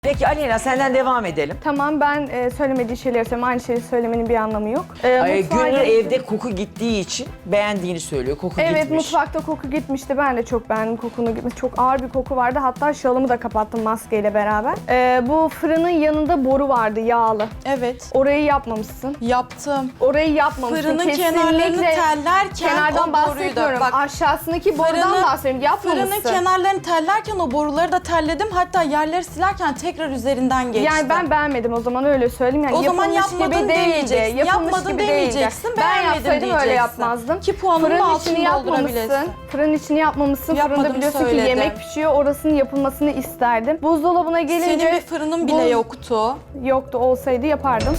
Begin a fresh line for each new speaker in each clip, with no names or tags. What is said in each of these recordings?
Peki Aleyna senden devam edelim.
Tamam, ben söylemediği şeyleri söyleyeyim. Aynı şeyi söylemenin bir anlamı yok.
Gönül
gelince-
evde koku gittiği için beğendiğini söylüyor. Koku
Evet,
gitmiş.
mutfakta koku gitmişti. Ben de çok beğendim kokunu gitmiş. Çok ağır bir koku vardı. Hatta şalımı da kapattım maskeyle beraber. Bu fırının yanında boru vardı, yağlı.
Evet.
Orayı yapmamışsın.
Yaptım.
Orayı yapmamışsın.
Fırının
Kesinlikle
kenarlarını tellerken
kenardan
o boruyu
bahsetmiyorum.
da... Bak,
Aşağısındaki borudan bahsediyorum. Yapmamışsın.
Fırının kenarlarını tellerken o boruları da telledim. Hatta yerleri silerken tekrar üzerinden geçtim.
Yani ben beğenmedim o zaman, öyle söyleyeyim. Yani
O zaman
yapılmış
yapmadın
gibi değildi.
demeyeceksin.
Yapılmış
Yapmadın
gibi
demeyeceksin,
değildi. Ben
beğenmedim
yapsaydım öyle
diyeceksin.
yapmazdım.
Ki puanının
Fırın
altını
içini
doldurabilirsin.
yapmamışsın. Fırın içini yapmamışsın.
Yapmadım,
Fırında biliyorsun
söyledim.
ki yemek pişiyor. Orasının yapılmasını isterdim. Buzdolabına gelince...
Senin bir fırının bile yoktu.
Yoktu, olsaydı yapardım.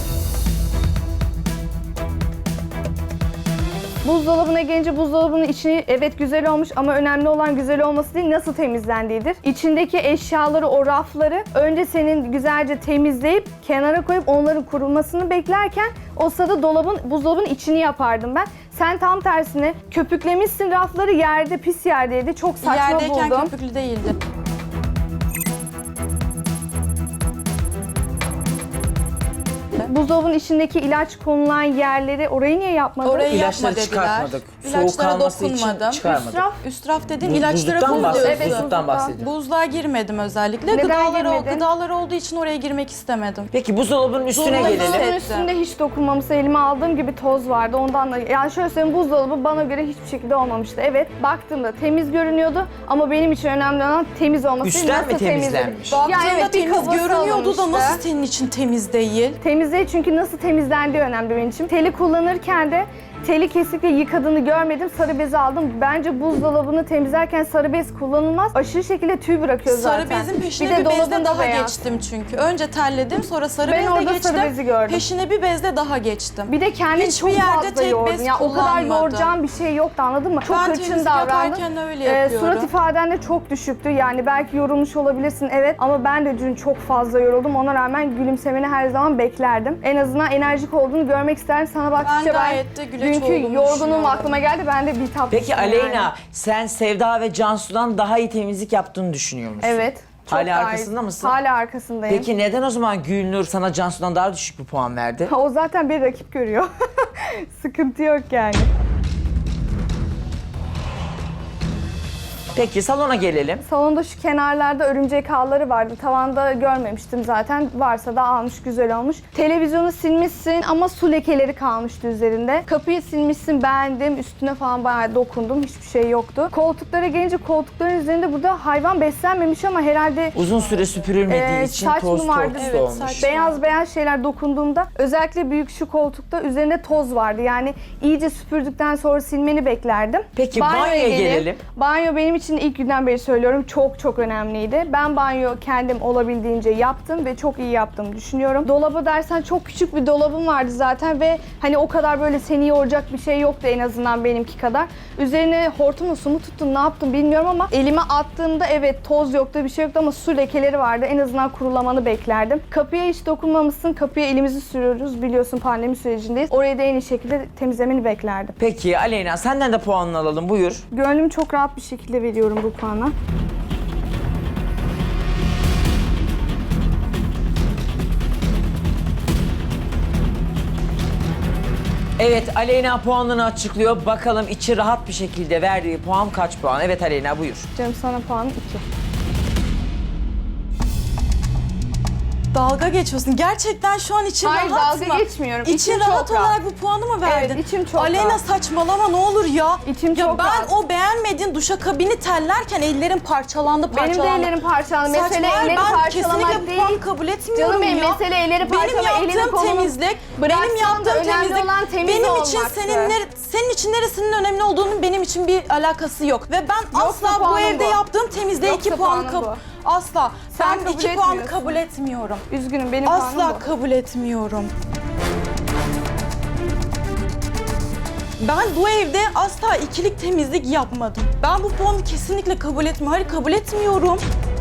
Buzdolabına gelince buzdolabının içi evet güzel olmuş ama önemli olan güzel olması değil, nasıl temizlendiğidir. İçindeki eşyaları, o rafları önce senin güzelce temizleyip kenara koyup onların kurumasını beklerken o sırada buzdolabının içini yapardım ben. Sen tam tersine köpüklemişsin rafları, yerde, pis yerdeydi. Çok saçma
Yerdeyken
buldum.
köpüklü değildi.
Buzdolabının içindeki ilaç konulan yerleri, orayı niye yapmadın?
Orayı
İlaçları
yapma dediler.
çıkartmadık. Soğuk
İlaçlara
kalması için
dokunmadım.
çıkarmadık.
İsraf.
Üstraf dedin,
Buz-
ilaçlara
buzluktan
buz
bahsediyorum.
diyorsun.
Evet,
Buzluktan bahsediyorum.
Buzluğa girmedim özellikle.
Neden girmedin?
Gıdalar olduğu için oraya girmek istemedim.
Peki buzdolabının üstüne
Buzdolabı-
gelelim.
Buzdolabının
Hissettim.
üstünde hiç dokunmamışsa, elime aldığım gibi toz vardı. Ondan da yani şöyle söyleyeyim, buzdolabı bana göre hiçbir şekilde olmamıştı. Evet, baktığımda temiz görünüyordu ama benim için önemli olan temiz olması.
Üstten mi
Nasıl
temizlenmiş?
temizledi?
Baktığında
evet, bir
temiz
kabası
görünüyordu da
alınmıştı.
nasıl senin için temiz değil?
Temiz değil, çünkü nasıl temizlendiği önemli benim için. Teli kullanırken de teli kesinlikle yıkadığını görmedim. Sarı bezi aldım. Bence buzdolabını temizlerken sarı bez kullanılmaz. Aşırı şekilde tüy bırakıyor zaten.
Sarı bezin peşine
de
bir bezle
dolabın da
daha
beyaz.
geçtim çünkü. Önce terledim, sonra sarı
Ben
bezle
orada
geçtim.
sarı bezi gördüm.
Peşine bir bezle daha geçtim.
Bir de kendini
Hiçbir
çok
yerde
fazla
tek
yordun.
bez
Ya o kadar
kullanmadım.
yoracağım bir şey yoktu, anladın mı? Çok
Ben
hırçın
temizlik
davrandın.
yaparken öyle yapıyorum.
Surat ifaden de çok düşüktü. Yani belki yorulmuş olabilirsin, evet, ama ben de dün çok fazla yoruldum. Ona rağmen gülümsemeni her zaman beklerdim. En azından enerjik olduğunu görmek isterdim. Sana baktıkça ben
gayet de güleç
dünkü
olduğumu
yorgunluğum
düşünüyorum.
aklıma geldi. Ben de bir tatlı.
Peki Aleyna sen Sevda ve Cansu'dan daha iyi temizlik yaptığını düşünüyor musun?
Evet. çok
Hala
daha iyi.
arkasında mısın?
Hala arkasındayım.
Peki neden o zaman Gülnur sana Cansu'dan daha düşük bir puan verdi?
O zaten bir rakip görüyor. Sıkıntı yok yani.
Peki salona gelelim.
Salonda şu kenarlarda örümcek ağları vardı. Tavanda görmemiştim zaten. Varsa da almış, güzel olmuş. Televizyonu silmişsin ama su lekeleri kalmıştı üzerinde. Kapıyı silmişsin, beğendim. Üstüne falan bayağı dokundum. Hiçbir şey yoktu. Koltuklara gelince koltukların üzerinde burada hayvan beslenmemiş ama herhalde
Uzun süre süpürülmediği için
saç
toz
mı vardı?
tortusu
Evet,
olmuş.
saç.
beyaz şeyler dokunduğumda, özellikle büyük şu koltukta üzerinde toz vardı. Yani iyice süpürdükten sonra silmeni beklerdim.
Peki,
Banyoya
banyoya gelelim.
Banyo benim için ilk günden beri söylüyorum, çok önemliydi. Ben banyo kendim olabildiğince yaptım ve çok iyi yaptığımı düşünüyorum. Dolabı dersen, çok küçük bir dolabım vardı zaten ve hani o kadar böyle seni yoracak bir şey yoktu, en azından benimki kadar. Üzerine hortumla su mu tuttun, ne yaptım bilmiyorum ama elime attığımda evet, toz yoktu, bir şey yoktu ama su lekeleri vardı. En azından kurulamanı beklerdim. Kapıya hiç dokunmamışsın. Kapıya elimizi sürüyoruz, biliyorsun pandemi sürecindeyiz. Orayı da en iyi şekilde temizlemeni beklerdim.
Peki Aleyna senden de puanını alalım, buyur.
Gönlümü çok rahat bir şekilde veriyorum bu puana.
Evet, Aleyna puanını açıklıyor. Bakalım içi rahat bir şekilde verdiği puan kaç puan? Evet Aleyna buyur.
Canım, sana puanım 2.
Dalga geçiyorsun. Gerçekten şu an için
Hayır,
rahat
dalga
mı?
geçmiyorum.
İçin
İçim
rahat
çok rahat.
olarak bu puanı mı verdin?
Evet, içim çok
Aleyna
rahat.
saçmalama, ne olur ya.
İçim
ya
çok
ben
rahat.
o beğenmediğin duşakabini tellerken ellerim parçalandı.
Benim de ellerim parçalandı. Mesele
Saçma,
elleri
ben
parçalamak
kesinlikle
değil.
puan kabul etmiyorum
Canım benim,
ya.
mesele elleri parçalamak,
Benim
elini
yaptığım
kolunu
temizlik,
bıraksan
benim
da
yaptığım
önemli
temizlik,
olan temiz
benim için
olmaktı.
senin için neresinin önemli olduğunun benim için bir alakası yok. Ve ben asla bu
puanım
evde
bu.
yaptığım temizliğe
Yoksa
2 puan
puanım bu.
asla.
Sen
Ben
kabul
2 puan
etmiyorsun.
kabul etmiyorum.
Üzgünüm, benim puanım
Asla
bu.
kabul etmiyorum. Ben bu evde asla ikilik temizlik yapmadım. Ben bu puanı kesinlikle kabul etmiyorum. Hayır, kabul etmiyorum.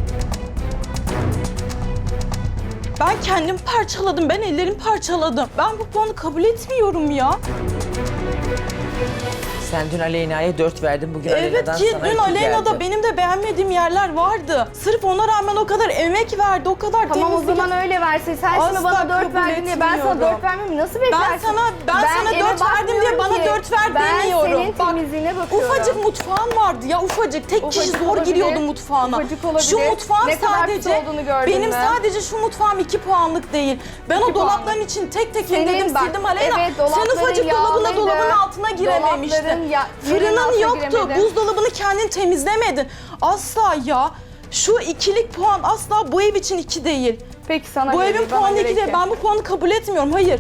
Ben kendim parçaladım, ben ellerimi parçaladım. Ben bu puanı kabul etmiyorum ya.
Sen dün Aleyna'ya 4 verdin, bugün
Evet
Aleyna'dan
ki
sana
dün
2
Aleyna'da
geldi.
benim de beğenmediğim yerler vardı. Sırf ona rağmen o kadar emek verdi, o kadar
Tamam o
temizlik.
zaman öyle versin. Sen şimdi
Asla
bana 4
kabul
verdin diye ben sana
etmiyorum.
4 vermemi nasıl beklersin?
Ben sana
eve
4 verdim diye
bakmıyorum
bana
ki.
4 ver demiyorum.
Ben senin
Bak,
temizliğine bakıyorum.
ufacık mutfağın vardı ya, ufacık. Tek kişi
Ufacık
zor
olabilir,
giriyordu mutfağına.
ufacık olabilir.
Şu mutfağım
Ne kadar
sadece,
pis olduğunu gördün
benim
mü?
sadece şu mutfağım 2 puanlık değil. Ben o
2
dolapların
puanlık.
için tek tek
Senin
indirdim,
bak,
sildim Aleyna.
evet,
Sen
dolapların
ufacık dolabın
yağlıydı.
altına girememiştin.
Dolapların yerinin
Fırının
altına
yoktu,
giremedin.
buzdolabını kendin temizlemedin. Asla ya. Şu ikilik puan asla bu ev için 2 değil.
Peki sana
Bu
göre
evin
değil, bana
puanı
göre
2 değil.
iki.
Ben bu puanı kabul etmiyorum. Hayır.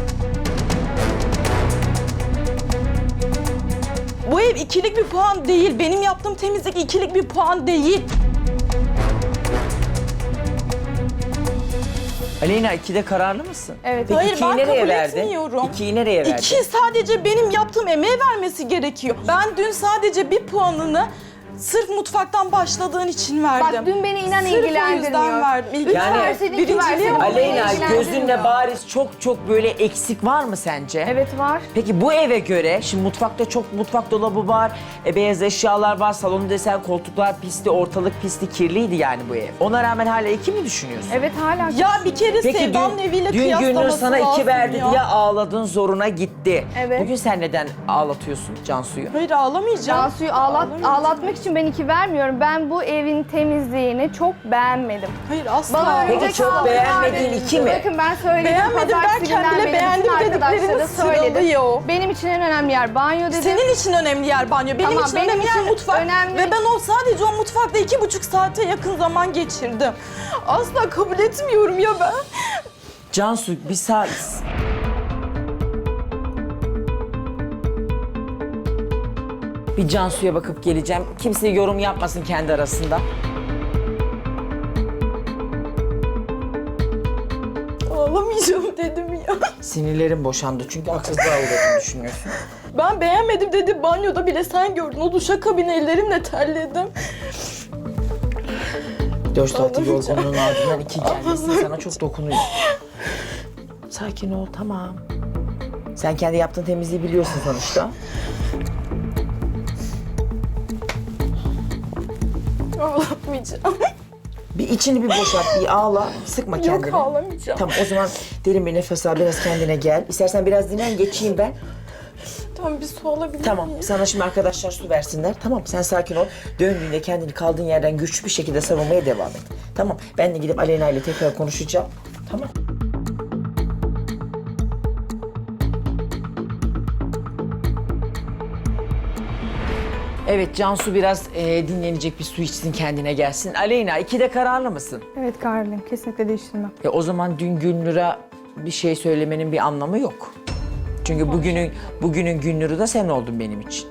Bu ev ikilik bir puan değil. Benim yaptığım temizlik ikilik bir puan değil.
Aleyna 2'de kararlı mısın?
Evet.
Peki
Hayır,
2'yi
ben
nereye
kabul
verdin?
etmiyorum.
2'yi nereye verdin?
2 sadece benim yaptığım emeğe vermesi gerekiyor. Ben dün sadece bir puanını sırf mutfaktan başladığın için verdim.
Bak dün beni inan
Sırf o yüzden
ilgilendirmiyor.
verdim.
3
Yani
verseydin 2
birinciliğe
verseydin.
bak.
beni
Aleyna
ilgilendirmiyor.
gözünle bariz çok böyle eksik var mı sence?
Evet var.
Peki bu eve göre, şimdi mutfakta çok mutfak dolabı var, beyaz eşyalar var, salonu desen koltuklar pisti, ortalık pisti, kirliydi yani bu ev. Ona rağmen hala 2 mi düşünüyorsun?
Evet hala.
Ya bir kere
Peki
Sevda'nın eviyle
dün
kıyaslaması
Gündür sana 2
lazım
verdi
ya.
diye ağladın, zoruna gitti.
Evet.
Bugün sen neden ağlatıyorsun Cansu'yu?
Hayır ağlamayacağım.
Cansu'yu
Ağlamayacağım.
ağlatmak için ben 2 vermiyorum. Ben bu evin temizliğini çok beğenmedim.
Hayır asla.
Bana
Peki
örümcek
çok
ağları
beğenmediğin
vardı.
2 mi?
Bakın ben söyledim.
Beğenmedim
pazartesi
derken
günden
bile
beri
beğendim
bütün arkadaşlara
dediklerini
söyledim.
sıralıyor.
Benim için en önemli yer banyo dedim.
Senin için önemli yer banyo. Benim
Tamam,
için
benim
önemli yer
için
mutfak.
önemli.
Ve ben sadece o mutfakta 2,5 saate yakın zaman geçirdim. Asla kabul etmiyorum ya ben.
Cansu bir saat... Bir Cansu'ya bakıp geleceğim. Kimse yorum yapmasın kendi arasında.
Ağlamayacağım dedim ya.
Sinirlerim boşandı çünkü haksızlığa uğradığını düşünüyorsun.
Ben beğenmedim dedi. Banyoda bile sen gördün. O duşakabin ellerimle terledim.
4 saatlik
Ağlamayacağım.
yorgunluğun ardından 2 gelmesi sana çok dokunuyor. Sakin ol, tamam. Sen kendi yaptığın temizliği biliyorsun sonuçta.
Ağlamayacağım.
Bir içini bir boşalt, bir ağla, sıkma kendini.
Yok ağlamayacağım.
Tamam o zaman derin bir nefes al, biraz kendine gel. İstersen biraz dinlen, geçeyim ben.
Tamam bir su alabilir
Tamam,
miyim?
sana şimdi arkadaşlar su versinler. Tamam, sen sakin ol. Döndüğünde kendini kaldığın yerden güçlü bir şekilde savunmaya devam et. Tamam, ben de gidip Aleyna ile tekrar konuşacağım. Tamam. Evet, Cansu biraz dinlenecek, bir su içsin, kendine gelsin. Aleyna, 2'de kararlı mısın?
Evet kararlıyım. Kesinlikle değiştirmem.
O zaman dün Gülnur'a bir şey söylemenin bir anlamı yok. Çünkü bugünün Gülnur'u da sen oldun benim için.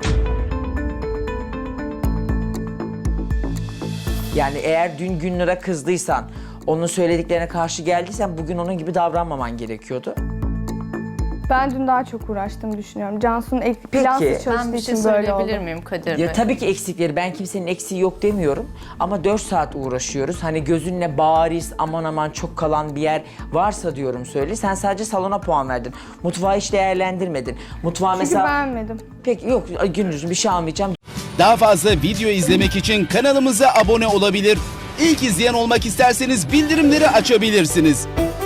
Yani eğer dün Gülnur'a kızdıysan, onun söylediklerine karşı geldiysen bugün onun gibi davranmaman gerekiyordu.
Ben dün daha çok uğraştığımı düşünüyorum. Cansu'nun
Peki.
plansız
Ben
çalıştığı
bir şey
için böyle
söyleyebilir
oldu.
miyim Kadir Bey?
Ya tabii ki eksikleri, ben kimsenin eksiği yok demiyorum. Ama 4 saat uğraşıyoruz. Hani gözünle bariz, aman aman çok kalan bir yer varsa diyorum söyle. Sen sadece salona puan verdin. Mutfağı hiç değerlendirmedin. Mutfağı
Çünkü
mesela...
beğenmedim.
Peki yok Gündüz'üm bir şey almayacağım.
Daha fazla video izlemek için kanalımıza abone olabilir. İlk izleyen olmak isterseniz bildirimleri açabilirsiniz.